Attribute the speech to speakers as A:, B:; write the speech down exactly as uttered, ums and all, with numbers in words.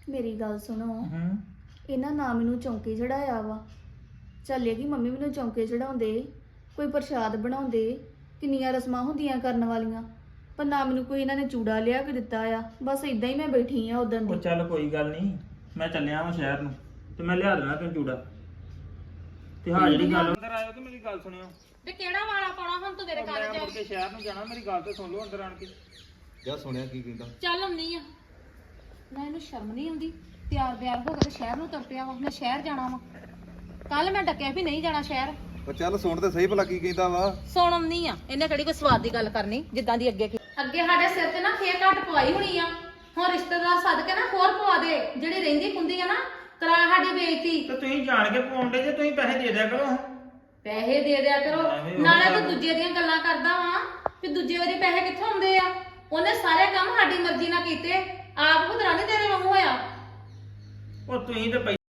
A: ਮੇਰੀ ਗੱਲ ਸੁਣੋ
B: ਹੂੰ
A: ਇਹਨਾਂ ਨਾ ਮੈਨੂੰ ਚੌਂਕੇ ਚੜਾਇਆ ਵਾ ਚੱਲੇਗੀ ਮੰਮੀ ਮੈਨੂੰ ਚੌਂਕੇ ਚੜਾਉਂਦੇ ਕੋਈ ਪ੍ਰਸ਼ਾਦ ਬਣਾਉਂਦੇ ਕਿੰਨੀਆਂ ਰਸਮਾਂ ਹੁੰਦੀਆਂ ਕਰਨ ਵਾਲੀਆਂ ਪਰ ਨਾ ਮੈਨੂੰ ਕੋਈ ਇਹਨਾਂ ਨੇ ਚੂੜਾ ਲਿਆ ਕੇ ਦਿੱਤਾ ਆ ਬਸ ਇਦਾਂ ਹੀ ਮੈਂ ਬੈਠੀ ਆ ਉਦੋਂ
B: ਉਹ
A: ਦੀ
B: ਚੱਲ ਕੋਈ ਗੱਲ ਨਹੀਂ ਮੈਂ ਚੱਲਿਆ ਵਾਂ ਸ਼ਹਿਰ ਨੂੰ ਤੇ ਮੈਂ ਲਿਆ ਦੇਣਾ ਤੈਨੂੰ ਚੂੜਾ ਤੇ ਹਾਂ ਜਿਹੜੀ ਗੱਲ ਅੰਦਰ ਆਇਓ ਤੇ ਮੇਰੀ ਗੱਲ ਸੁਣਿਓ
C: ਤੇ ਕਿਹੜਾ ਵਾਲਾ ਪਾਉਣਾ ਹੁਣ ਤੂੰ ਮੇਰੇ
B: ਮੈਂ
C: ਕਾਲਜ
B: ਮੁੜ ਕੇ ਸ਼ਹਿਰ ਨੂੰ ਜਾਣਾ ਮੇਰੀ ਗੱਲ ਤੇ ਸੁਣ ਲਓ ਅੰਦਰ ਆਣ ਕੇ
D: ਕਿਆ ਸੁਣਿਆ ਕੀ ਕਹਿੰਦਾ
C: ਚੱਲ ਆਉਣੀ ਆ ਨਾ ਇਹਨੂੰ ਸ਼ਰਮ ਨਹੀਂ ਆਉਂਦੀ ਤਿਆਰ ਬਿਆਰ ਹੋ ਕੇ ਤੇ ਸ਼ਹਿਰ ਨੂੰ ਤੁਰ ਪਿਆ ਵਾ ਮੈਂ ਸ਼ਹਿਰ ਜਾਣਾ ਵਾ ਕੱਲ ਮੈਂ ਡੱਕਿਆ ਵੀ ਨਹੀਂ ਜਾਣਾ ਸ਼ਹਿਰ
D: ਉਹ ਚੱਲ ਸੁਣ ਤੇ ਸਹੀ ਭਲਾ ਕੀ ਕਹਿੰਦਾ ਵਾ
C: ਸੁਣ ਆਉਣੀ ਆ ਇਹਨੇ ਕਿਹੜੀ ਕੋਈ ਸਵਾਦ ਦੀ ਗੱਲ ਕਰਨੀ ਜਿੱਦਾਂ ਦੀ ਅੱਗੇ ਅੱਗੇ ਸਾਡੇ ਸਿਰ ਤੇ ਨਾ ਫੇਰ ਘੱਟ ਪਵਾਈ ਹੋਣੀ ਆ ਹੁਣ ਰਿਸ਼ਤੇਦਾਰ ਸੱਦ ਕੇ ਨਾ ਹੋਰ ਪਵਾ ਦੇ ਜਿਹੜੀ ਰਹਿੰਦੀ ਹੁੰਦੀ ਆ ਨਾ ਕਰਾ ਸਾਡੀ ਬੇਇੱਜ਼ਤੀ
B: ਤੇ ਤੁਸੀਂ ਜਾਣ ਕੇ ਪਾਉਂਦੇ ਜੇ ਤੁਸੀਂ ਪੈਸੇ ਦੇ ਦਿਆ ਕਰੋ
C: ਪੈਸੇ ਦੇ ਦਿਆ ਕਰੋ
B: ਐਵੇਂ ਉਹ
C: ਨਾਲੇ ਤੂੰ
B: ਗੱਲ।
C: ਦੂਜੇ ਦੀਆਂ ਗੱਲਾਂ ਕਰਦਾ ਵਾ ਕਿ ਦੂਜੇ ਵਾਰੀ ਪੈਸੇ ਕਿੱਥੋਂ ਆਉਂਦੇ ਆ ਉਹਨੇ ਸਾਰੇ ਕੰਮ ਸਾਡੀ ਮਰਜ਼ੀ ਨਾਲ ਕੀਤੇ ਆਪ ਖੁਦਰਾ ਨਹੀਂ ਤੇਰੇ ਵਾਂਗੂ ਹੋਇਆ
B: ਉਹ ਤੁਸੀਂ ਤੇ